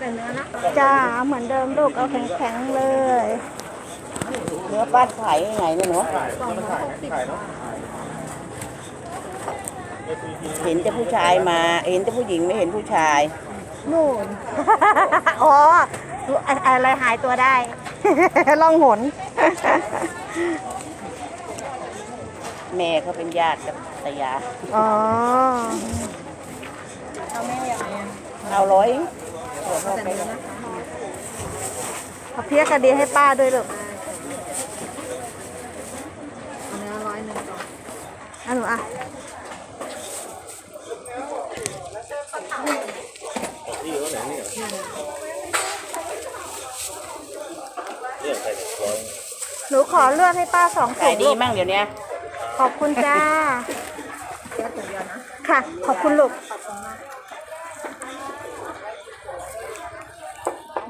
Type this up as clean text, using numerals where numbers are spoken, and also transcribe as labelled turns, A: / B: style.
A: แต่เนื้อนะ
B: จ้าเหมือนเดิมลูกเอาแข็งๆเลย
C: เนื้อป้าขายยังไงเนี่ยเนาะเห็นแต่ผู้ชายมาเห็นแต่ผู้หญิงไม่เห็นผู้ชาย
B: นู่น อ๋ออะไรหายตัวได้ ล่องหน
C: แม่เขาเป็นญาติกับตายา
B: อ๋อ
A: เอาแม่อย่างไร
C: เอาร้อยเดี๋ยวพ่อไป
B: เอาเพี้ยกระดีให้ป้าด้วยลูก
A: เนื้อ100ก่อน
B: อ่ะหนูอ่ะ หนูขอเลือดให้ป้า2 ถุ
C: ขาย
B: ง
C: ดี
B: ลูก
C: มั่งเดี๋ยวนี้
B: ขอบคุณจ้า
A: แค่ถุงเดียวนะ
B: ค่ะ ขอบคุณลูก
A: ขอบคุณมาก